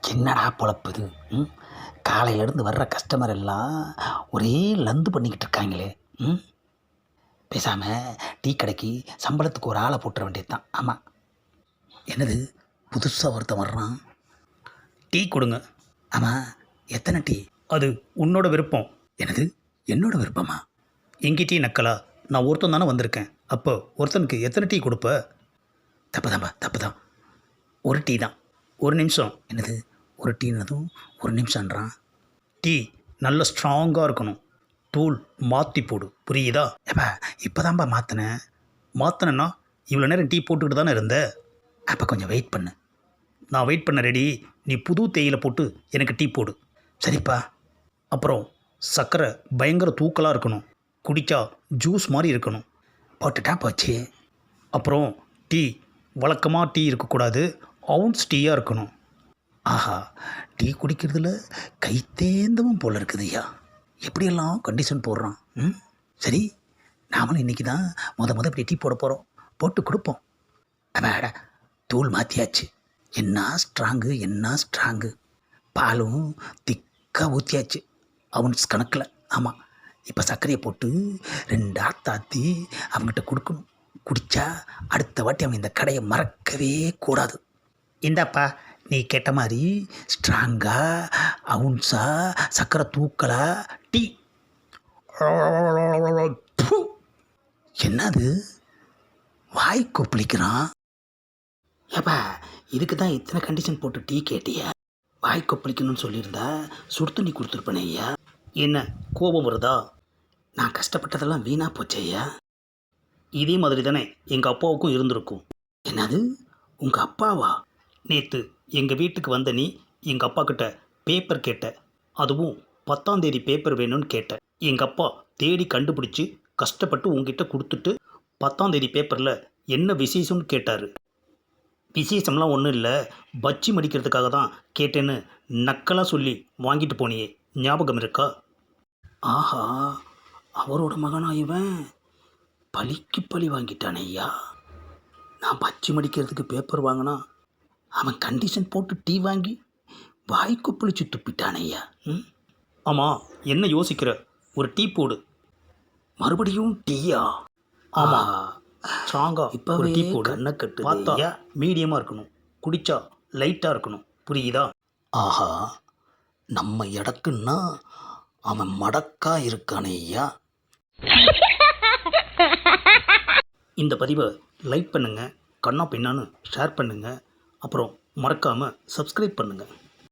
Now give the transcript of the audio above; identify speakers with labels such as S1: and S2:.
S1: என்னடா பொழப்புது? ம் காலையிலேருந்து வர்ற கஸ்டமர் எல்லாம் ஒரே லந்து பண்ணிக்கிட்டு இருக்காங்களே. ம் பேசாமல் டீ கடைக்கு சம்பளத்துக்கு ஒரு ஆளை போட்டுற வேண்டியது தான். ஆமாம். என்னது புதுசாக ஒருத்தன் வர்றான்?
S2: டீ கொடுங்க.
S1: ஆமாம், எத்தனை டீ?
S2: அது உன்னோட விருப்பம்.
S1: என்னது என்னோட விருப்பமா?
S2: எங்கி டீ நக்கலா? நான் ஒருத்தன் தானே வந்திருக்கேன். அப்போ ஒருத்தனுக்கு எத்தனை டீ கொடுப்ப?
S1: தப்பு தான்.
S2: ஒரு டீ தான். ஒரு நிமிஷம்.
S1: என்னது ஒரு டீனதும் ஒரு நிமிஷம்ன்றான்?
S2: டீ நல்ல ஸ்ட்ராங்காக இருக்கணும். தூள் மாற்றி போடு, புரியுதா?
S1: ஏப்பா இப்போதான்ப்பா மாற்றினேன்.
S2: மாற்றினேன்னா இவ்வளோ நேரம் டீ போட்டுக்கிட்டு தானே இருந்த.
S1: அப்போ கொஞ்சம் வெயிட் பண்ணு.
S2: நான் வெயிட் பண்ண ரெடி. நீ புது தேயிலை போட்டு எனக்கு டீ போடு.
S1: சரிப்பா.
S2: அப்புறம் சர்க்கரை பயங்கர தூக்கலாக இருக்கணும். குடித்தா ஜூஸ் மாதிரி இருக்கணும்.
S1: போட்டுட்டா போச்சு.
S2: அப்புறம் டீ வழக்கமாக டீ இருக்கக்கூடாது, அவுன்ஸ் டீயாக இருக்கணும்.
S1: ஆஹா, டீ குடிக்கிறதுல கை தேந்தவும் போல இருக்குதுய்யா. எப்படியெல்லாம் கண்டிஷன் போடுறான். சரி, நாமளும் இன்றைக்கி தான் முத இப்படி டீ போட போகிறோம். போட்டு கொடுப்போம். அட தூள் மாற்றியாச்சு. என்ன ஸ்ட்ராங்கு. பாலும் திக்காக ஊற்றியாச்சு அவன்ஸ் கணக்கில். ஆமாம், இப்போ சர்க்கரையை போட்டு 2 ஆத்தாத்தி அவங்ககிட்ட கொடுக்கணும். குடித்தா அடுத்த வாட்டி அவன் இந்த கடையை மறக்கவே கூடாது. இந்தாப்பா, நீ கேட்ட மாதிரி ஸ்ட்ராங்கா அவுன்ஸா சர்க்கரை தூக்கலா டீ. என்னது வாய் கொப்பளிக்கிறான்? ஏப்பா, இதுக்கு தான் இத்தனை கண்டிஷன் போட்டு டீ கேட்டியா? வாய் கொப்பளிக்கணும்னு சொல்லியிருந்தா சுடு தண்ணி கொடுத்துருப்பேனே ஐயா.
S2: என்ன கோபம் வருதா?
S1: நான் கஷ்டப்பட்டதெல்லாம் வீணாக போச்சே ஐயா.
S2: இதே மாதிரி தானே எங்கள் அப்பாவுக்கும் இருந்திருக்கும்.
S1: என்னது உங்கள் அப்பாவா?
S2: நேற்று எங்கள் வீட்டுக்கு வந்த நீ எங்கள் அப்பா கிட்ட பேப்பர் கேட்ட. அதுவும் 10ஆம் தேதி பேப்பர் வேணும்னு கேட்ட. எங்கள் அப்பா தேடி கண்டுபிடிச்சி கஷ்டப்பட்டு உங்ககிட்ட கொடுத்துட்டு 10ஆம் தேதி பேப்பரில் என்ன விசேஷம்னு கேட்டார். விசேஷம்லாம் ஒன்றும் இல்லை, பச்சி மடிக்கிறதுக்காக தான் கேட்டேன்னு நக்கலாக சொல்லி வாங்கிட்டு போனியே, ஞாபகம் இருக்கா?
S1: ஆஹா, அவரோட மகனா இவன்? பழிக்கு பழி வாங்கிட்டானே ஐயா. நான் பச்சி மடிக்கிறதுக்கு பேப்பர் வாங்கினா அவன் கண்டிஷன் போட்டு டீ வாங்கி வாய்க்கு பிடிச்சி துப்பிட்டானே ஐயா.
S2: ஆமாம், என்ன யோசிக்கிற? ஒரு டீ போடு.
S1: மறுபடியும் டீயா?
S2: ஆமாம், ஸ்ட்ராங்காக
S1: இப்போ
S2: ஒரு டீ போடு.
S1: கண்ணை கட்டு.
S2: பார்த்தா மீடியமாக இருக்கணும், குடித்தா லைட்டாக இருக்கணும், புரியுதா?
S1: ஆஹா, நம்ம இடக்குன்னா அவன் மடக்கா இருக்கானே ஐயா.
S2: இந்த பதிவை லைக் பண்ணுங்கள், கண்ணா பின்னான்னு ஷேர் பண்ணுங்கள், அப்புறம் மறக்காமல் சப்ஸ்கிரைப் பண்ணுங்கள்.